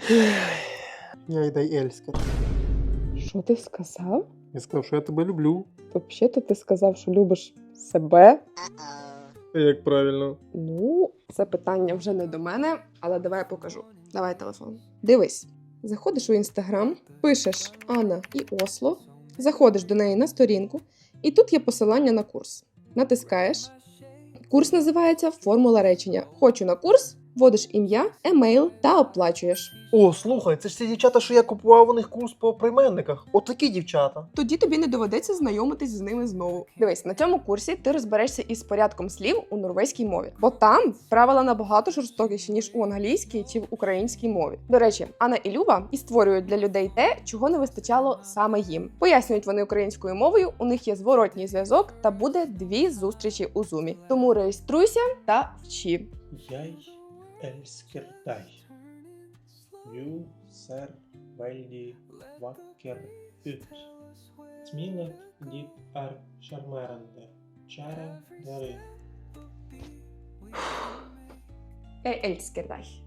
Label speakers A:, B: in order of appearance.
A: Я й дай Ельскер.
B: Що ти сказав?
A: Я сказав, що я тебе люблю.
B: Взагалі-то ти сказав, що любиш себе.
A: Як правильно?
B: Ну, це питання вже не до мене, але давай я покажу. Давай телефон. Дивись. Заходиш у Інстаграм, пишеш Анна і Осло, заходиш до неї на сторінку, і тут є посилання на курс. Натискаєш. Курс називається «Формула речення». Хочу на курс, вводиш ім'я, емейл та оплачуєш.
A: О, слухай, це ж ті дівчата, що я купував у них курс по прийменниках. Отакі дівчата.
B: Тоді тобі не доведеться знайомитись з ними знову. Дивись, на цьому курсі ти розберешся із порядком слів у норвезькій мові, бо там правила набагато жорстокіші, ніж у англійській чи в українській мові. До речі, Анна і Люба і створюють для людей те, чого не вистачало саме їм. Пояснюють вони українською мовою, у них є зворотній зв'язок та буде 2 зустрічі у Зумі. Тому реєструйся та вчи.
C: Jeg elsker deg. Du ser veldig vakker ut. Smilet ditt er sjarmerende. Kjære dere.
B: Jeg elsker deg.